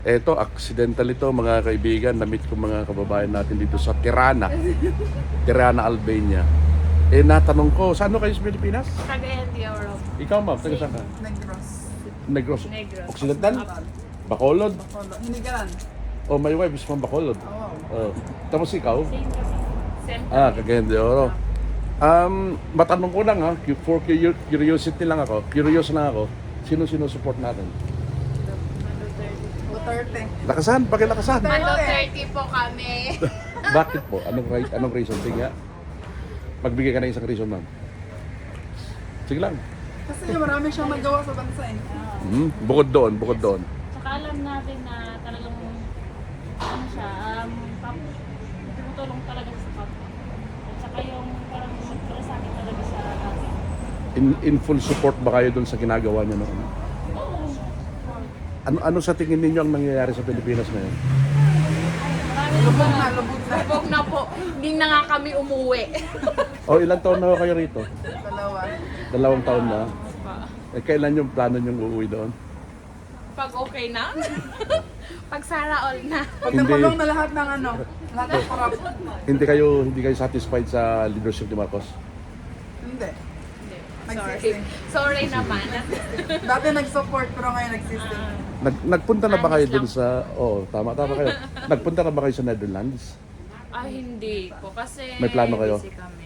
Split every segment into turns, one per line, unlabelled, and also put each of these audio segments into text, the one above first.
Eto, accidental ito mga kaibigan. Namit ko mga kababayan natin dito sa Tirana. Tirana, Albania. Natanong ko, saan kayo sa Pilipinas?
Cagayan de Oro.
Ikaw ma'am, taga saan ka?
Negros.
Negros.
Negros.
Occidental? Bacolod?
Bacolod. Hinigaran.
Oh, my wife is from Bacolod.
Oo.
Oh. Tapos ikaw?
Same kasi. Same.
Cagayan de Oro. Matanong ko lang ha, for curiosity lang ako, curious lang ako, sino support natin?
Duterte.
Lakasan, pakilakasan.
Mando 30 po kami.
Bakit po? Anong reason? Sige nga. Magbigay ka ng isang reason, ma'am. Sige lang.
Kasi marami siyang nagawa sa bansa eh.
Bukod doon.
Saka alam natin na talagang ano siya, tumutulong talaga sa kapwa. At saka yung parang magpalasakit talaga sa atin.
In full support ba kayo doon sa ginagawa niya noon?
Oo.
Ano sa tingin ninyo ang nangyayari sa Pilipinas ngayon?
Marami
Lubog
na.
na, lubog na.
Lubog na po. Hindi na nga kami umuwi.
Ilang taon na kayo rito?
Dalawa.
2 taon na. Kailan yung plano niyong uuwi doon?
Pag okay na. Pag Sara all na.
Pag
Hindi.
nakulong na lahat ng ano, lahat ng corrupt.
Hindi kayo satisfied sa leadership ni Marcos?
Hindi.
Hindi.
Nagsising.
Sorry naman.
Dati nag-support pero ngayon nagsising.
Nagpunta na ba kayo
Honest
dun
lang.
sa... tama kayo. Nagpunta na ba kayo sa Netherlands?
Hindi po. Kasi
May plano kayo?
busy kami.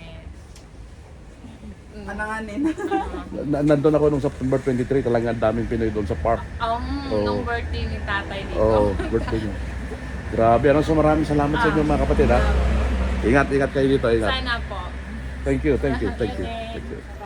Ananganin.
Nandun ako nung September 23, talagang ang daming Pinoy doon sa park.
Nung birthday ni tatay dito.
Birthday niya. Grabe, so maraming salamat sa inyo mga kapatid ha. Ingat kayo dito, ingat.
Sana po.
Thank you.